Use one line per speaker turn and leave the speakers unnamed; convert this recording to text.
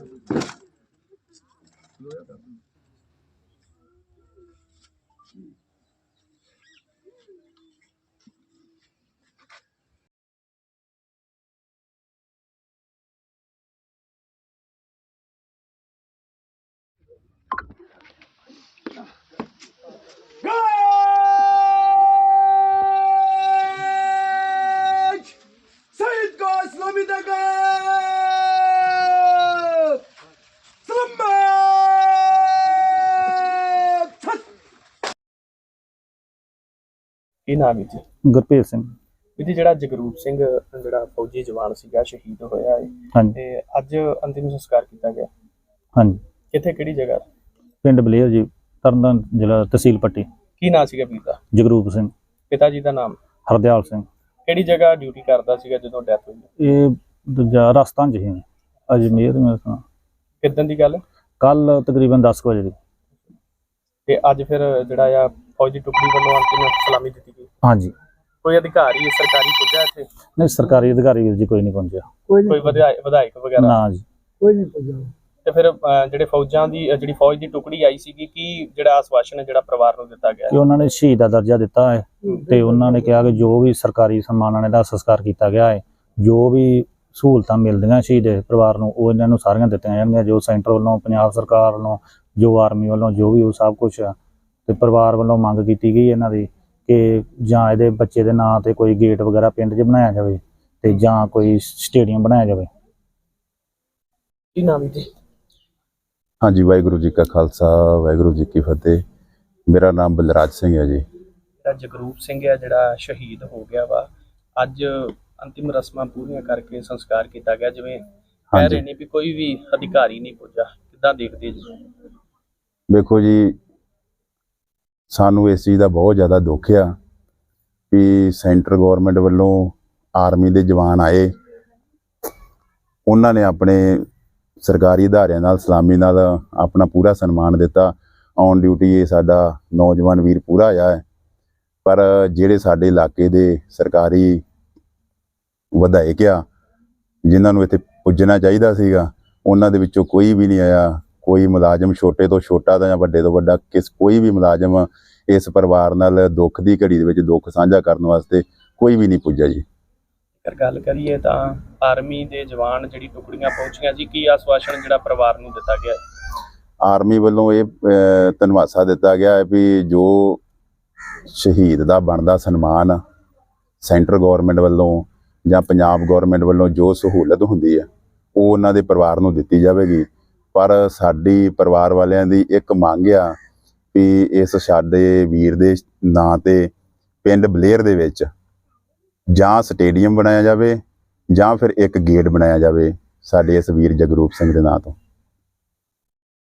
ਕੀ ਨਾਮ ਹੈ ਜੀ?
ਗੁਰਪ੍ਰੀਤ ਸਿੰਘ।
ਇਹਦੀ ਜਿਹੜਾ ਜਗਰੂਪ ਸਿੰਘ ਜਿਹੜਾ ਫੌਜੀ ਜਵਾਨ ਸੀਗਾ ਸ਼ਹੀਦ ਹੋਇਆ ਹੈ
ਹਾਂਜੀ
ਤੇ ਅੱਜ ਅੰਤਿਮ ਸੰਸਕਾਰ ਕੀਤਾ ਗਿਆ।
ਹਾਂਜੀ
ਕਿੱਥੇ ਕਿਹੜੀ ਜਗ੍ਹਾ?
ਪਿੰਡ ਬਲੇਰ ਜੀ, ਤਰਨਤਾਰਨ ਜ਼ਿਲ੍ਹਾ, ਤਹਿਸੀਲ ਪੱਟੀ।
ਕੀ ਨਾਂ ਸੀਗਾ ਵੀਰ ਦਾ?
ਜਗਰੂਪ ਸਿੰਘ।
ਪਿਤਾ ਜੀ ਦਾ ਨਾਮ?
ਹਰਦਿਆਲ ਸਿੰਘ।
ਕਿਹੜੀ ਜਗ੍ਹਾ ਡਿਊਟੀ ਕਰਦਾ ਸੀਗਾ ਜਦੋਂ ਡੈਥ ਹੋਈ?
ਇਹ ਦੂਜਾ ਰਾਜਸਥਾਨ 'ਚ ਸੀ, ਅਜਮੇਰ। ਮੇਰੇ ਸੁਣਾ
ਕਿੱਦਣ ਦੀ ਗੱਲ?
ਕੱਲ ਤਕਰੀਬਨ 10 ਵਜੇ ਦੀ।
ਤੇ ਅੱਜ ਫਿਰ ਜਿਹੜਾ ਆ ਫੌਜੀ ਟੁਕੜੀ ਵੱਲੋਂ ਅੰਤਿਮ ਸਲਾਮੀ ਦਿੱਤੀ ਗਈ।
ਹਾਂਜੀ।
ਕੋਈ ਅਧਿਕਾਰੀ ਸਰਕਾਰੀ ਪੁੱਜਾ ਇੱਥੇ?
ਨਹੀਂ, ਸਰਕਾਰੀ ਅਧਿਕਾਰੀ ਵੀਰ ਜੀ ਕੋਈ ਨਹੀਂ ਪਹੁੰਚਿਆ।
ਕੋਈ ਵਿਧਾਇਕ ਵਗੈਰਾ?
ਨਾ ਜੀ,
ਕੋਈ ਨਹੀਂ ਪਹੁੰਚਿਆ। ਤੇ ਫਿਰ ਜਿਹੜੇ ਫੌਜਾਂ ਦੀ ਜਿਹੜੀ ਫੌਜ ਦੀ ਟੁਕੜੀ ਆਈ ਸੀਗੀ, ਕੀ ਜਿਹੜਾ ਆਸ਼ਵਾਸਨ ਹੈ ਜਿਹੜਾ ਪਰਿਵਾਰ ਨੂੰ ਦਿੱਤਾ ਗਿਆ?
ਕਿ ਉਹਨਾਂ ਨੇ ਸ਼ਹੀਦ ਦਾ ਦਰਜਾ ਦਿੱਤਾ ਹੈ ਤੇ ਉਹਨਾਂ ਨੇ ਕਿਹਾ ਕਿ ਜੋ ਵੀ ਸਰਕਾਰੀ ਸਨਮਾਨਾਂ ਨਾਲ ਇਹਦਾ ਸੰਸਕਾਰ ਕੀਤਾ ਗਿਆ ਹੈ, ਜੋ ਵੀ ਸਹੂਲਤਾਂ ਮਿਲਦੀਆਂ ਸ਼ਹੀਦ ਪਰਿਵਾਰ ਨੂੰ, ਉਹ ਇਹਨਾਂ ਨੂੰ ਸਾਰੀਆਂ ਦਿੱਤੀਆਂ ਜਾਣਗੀਆਂ। ਜੋ ਸੈਂਟਰ ਵੱਲੋਂ, ਪੰਜਾਬ ਸਰਕਾਰ ਵੱਲੋਂ, ਜੋ ਆਰਮੀ ਵੱਲੋਂ, ਜੋ ਵੀ ਉਹ ਸਭ ਕੁਛ ਤੇ ਪਰਿਵਾਰ ਵੱਲੋਂ ਮੰਗ ਕੀਤੀ ਗਈ ਇਹਨਾਂ ਦੀ ਕਿ ਜਾਂ ਇਹਦੇ ਬੱਚੇ ਦੇ ਨਾਂ ਤੇ ਕੋਈ ਗੇਟ ਵਗੈਰਾ ਪਿੰਡ 'ਚ ਬਣਾਇਆ ਜਾਵੇ ਤੇ ਜਾਂ ਕੋਈ ਸਟੇਡੀਅਮ ਬਣਾਇਆ ਜਾਵੇ।
ਕੀ ਨਾਮ ਜੀ?
ਹਾਂਜੀ, ਵਾਹਿਗੁਰੂ ਜੀ ਕਾ ਖਾਲਸਾ, ਵਾਹਿਗੁਰੂ ਜੀ ਕੀ ਫਤਿਹ। ਮੇਰਾ ਨਾਮ ਬਲਰਾਜ ਸਿੰਘ ਹੈ ਜੀ।
ਜਿਹੜਾ ਜਗਰੂਪ ਸਿੰਘ ਹੈ ਜਿਹੜਾ ਸ਼ਹੀਦ ਹੋ ਗਿਆ ਵਾ, ਅੱਜ ਅੰਤਿਮ ਰਸਮਾਂ ਪੂਰੀਆਂ ਕਰਕੇ ਸੰਸਕਾਰ ਕੀਤਾ ਗਿਆ। ਜਿਵੇਂ ਕਹਿ ਰਹੇ ਨੇ ਵੀ ਕੋਈ ਵੀ ਅਧਿਕਾਰੀ ਨਹੀਂ ਪੁੱਜਾ, ਕਿੱਦਾਂ ਦੇਖਦੇ ਜੀ?
ਦੇਖੋ ਜੀ, ਸਾਨੂੰ ਇਸ ਚੀਜ਼ ਦਾ ਬਹੁਤ ਜ਼ਿਆਦਾ ਦੁੱਖ ਆ ਵੀ ਸੈਂਟਰ ਗਵਰਨਮੈਂਟ ਵੱਲੋਂ ਆਰਮੀ ਦੇ ਜਵਾਨ ਆਏ, ਉਹਨਾਂ ਨੇ ਆਪਣੇ ਸਰਕਾਰੀ ਅਦਾਰਿਆਂ ਨਾਲ ਸਲਾਮੀ ਨਾਲ ਆਪਣਾ ਪੂਰਾ ਸਨਮਾਨ ਦਿੱਤਾ। ਔਨ ਡਿਊਟੀ ਇਹ ਸਾਡਾ ਨੌਜਵਾਨ ਵੀਰ ਪੂਰਾ ਆਇਆ ਹੈ, ਪਰ ਜਿਹੜੇ ਸਾਡੇ ਇਲਾਕੇ ਦੇ ਸਰਕਾਰੀ ਵਿਧਾਇਕ ਆ ਜਿਨ੍ਹਾਂ ਨੂੰ ਇੱਥੇ ਪੁੱਜਣਾ ਚਾਹੀਦਾ ਸੀਗਾ, ਉਹਨਾਂ ਦੇ ਵਿੱਚੋਂ ਕੋਈ ਵੀ ਨਹੀਂ ਆਇਆ। ਕੋਈ ਮੁਲਾਜ਼ਮ, ਛੋਟੇ ਤੋਂ ਛੋਟਾ ਜਾਂ ਵੱਡੇ ਤੋਂ ਵੱਡਾ, ਕੋਈ ਵੀ ਮੁਲਾਜ਼ਮ ਇਸ ਪਰਿਵਾਰ ਨਾਲ ਦੁੱਖ ਦੀ ਘੜੀ ਦੇ ਵਿੱਚ ਦੁੱਖ ਸਾਂਝਾ ਕਰਨ ਵਾਸਤੇ ਕੋਈ ਵੀ ਨਹੀਂ ਪੁੱਜਾ ਜੀ।
ਅਗਰ ਗੱਲ ਕਰੀਏ ਤਾਂ ਆਰਮੀ ਦੇ ਜਵਾਨ ਜਿਹੜੀ ਟੁਕੜੀਆਂ ਪਹੁੰਚੀਆਂ ਜੀ, ਕੀ ਆਸ਼ਵਾਸਨ ਜਿਹੜਾ ਪਰਿਵਾਰ ਨੂੰ ਦਿੱਤਾ ਗਿਆ?
ਆਰਮੀ ਵੱਲੋਂ ਇਹ ਧੰਨਵਾਦ ਦਿੱਤਾ ਗਿਆ ਹੈ ਵੀ ਜੋ ਸ਼ਹੀਦ ਦਾ ਬਣਦਾ ਸਨਮਾਨ ਸੈਂਟਰ ਗਵਰਨਮੈਂਟ ਵੱਲੋਂ ਜਾਂ ਪੰਜਾਬ ਗਵਰਨਮੈਂਟ ਵੱਲੋਂ ਜੋ ਸਹੂਲਤ ਹੁੰਦੀ ਹੈ ਉਹ ਉਹਨਾਂ ਦੇ ਪਰਿਵਾਰ ਨੂੰ ਦਿੱਤੀ ਜਾਵੇਗੀ। ਪਰ ਸਾਡੀ ਪਰਿਵਾਰ ਵਾਲਿਆਂ ਦੀ ਇੱਕ ਮੰਗ ਆ ਵੀ ਇਸ ਸਾਡੇ ਵੀਰ ਦੇ ਨਾਂ ਤੇ ਪਿੰਡ ਬਲੇਰ ਦੇ ਵਿੱਚ ਜਾਂ ਸਟੇਡੀਅਮ ਬਣਾਇਆ ਜਾਵੇ ਜਾਂ ਫਿਰ ਇੱਕ ਗੇਟ ਬਣਾਇਆ ਜਾਵੇ ਸਾਡੇ ਇਸ ਵੀਰ ਜਗਰੂਪ ਸਿੰਘ ਦੇ ਨਾਂ ਤੋਂ।